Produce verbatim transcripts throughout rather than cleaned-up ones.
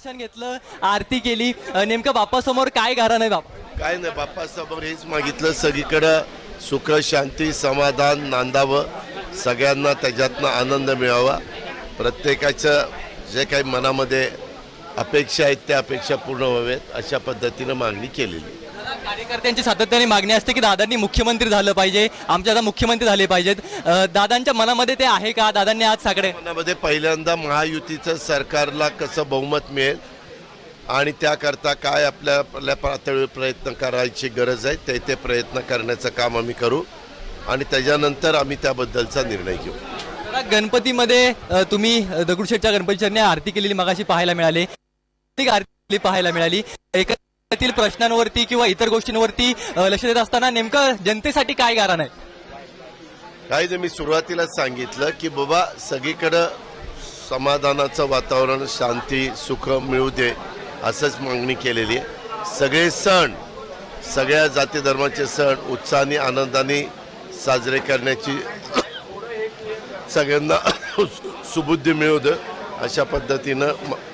दर्शन घेतलं, आरती केली, अ, नेमकं बाप्पासमोर काय गारा नाही बाप्पा? काय नाही, बाप्पासमोर हेच मागितलं, सगळीकडं सुख शांती समाधान नांदावं, सगळ्यांना त्याच्यातनं आनंद मिळावा, प्रत्येकाचं जे काही मनामध्ये अपेक्षा आहेत त्या अपेक्षा पूर्ण व्हाव्यात अशा पद्धतीनं मागणी केलेली. कार्यकर्त्यांची सातत्याने मागणी असते की दादांनी मुख्यमंत्री झालं पाहिजे, आमच्या आता मुख्यमंत्री झाले पाहिजेत. अ, दादांच्या मनामध्ये ते आहे का? दादांनी आज सगळे मनामध्ये पहिल्यांदा महायुतीचं सरकारला कसं बहुमत मिळेल आणि त्याकरता काय आपल्या आपल्या पातळीवर प्रयत्न करायची गरज आहे ते ते प्रयत्न करण्याचं काम आम्ही करू आणि त्याच्यानंतर आम्ही त्याबद्दलचा निर्णय घेऊ. दादा, गणपतीमध्ये अ, तुम्ही अ, दगडूशेठच्या गणपतीचरणी आरती केलेली मगाशी पाहायला मिळाली, ती आरती पाहायला मिळाली. एकत्रित प्रश्नांवरती किंवा इतर गोष्टींवरती अ, लक्ष देत असताना नेमकं जनतेसाठी काय गारण आहे? काही जे मी सुरुवातीलाच सांगितलं की बाबा सगळीकडं समाधानाचं वातावरण शांती सुख मिळू दे असंच मागणी केलेली आहे. सगळे सण सगळ्या जाती धर्माचे सण उत्साहाने आनंदाने साजरे करण्याची सगळ्यांना सुबुद्धी मिळू दे अशा पद्धतीनं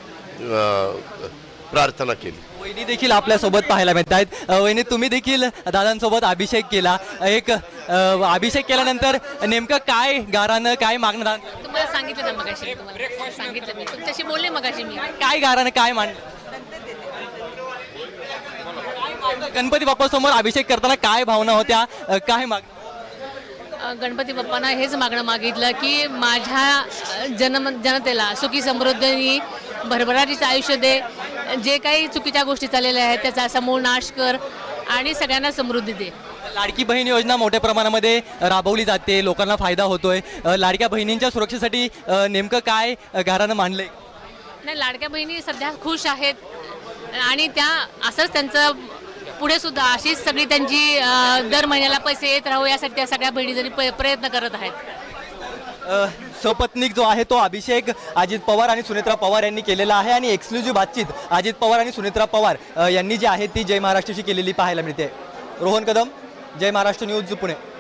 प्रार्थना केली. वहिनी देखील आपल्यासोबत पाहायला मिळत आहेत. अ, वहिनी, तुम्ही देखील दादांसोबत अभिषेक केला. एक अ, अभिषेक केल्यानंतर नेमकं काय गारानं काय मागणं? तुम्हाला सांगितलं ना मगाशी, तुम्हाला सांगितलं मी, तुमच्याशी बोलले मगाशी मी. काय गारानं काय मान गणपती बाप्पा समोर अभिषेक करताना काय भावना होत्या, अ, काय माग? अ, गणपती बाप्पांना हेच मागणं मागितलं की माझ्या जन जनतेला सुखी समृद्धीनी भरभराटीचं आयुष्य दे, जे काही चुकीच्या गोष्टी चाललेल्या आहेत त्याचा समूळ नाश कर आणि सगळ्यांना समृद्धी दे. लाडकी बहीण योजना मोठ्या प्रमाणामध्ये राबवली जाते, लोकांना फायदा होतोय. अ, लाडक्या बहिणींच्या सुरक्षेसाठी अ, नेमकं काय गारानं मांडलंय? नाही, लाडक्या बहिणी सध्या खुश आहेत आणि त्या असंच त्यांचं पुढे सुद्धा अशीच सगळी त्यांची अ, दर महिन्याला पैसे येत राहू यासाठी त्या सगळ्या बहिणी जरी प- प्रयत्न करत आहेत. अ, सपत्नीक जो आहे तो अभिषेक अजित पवार आणि सुनेत्रा पवार यांनी केलेला आहे आणि एक्सक्लुझिव्ह बातचीत अजित पवार आणि सुनेत्रा पवार अ, यांनी जी आहे ती जय महाराष्ट्राशी केलेली पाहायला मिळते. रोहन कदम, जय महाराष्ट्र न्यूज, पुणे.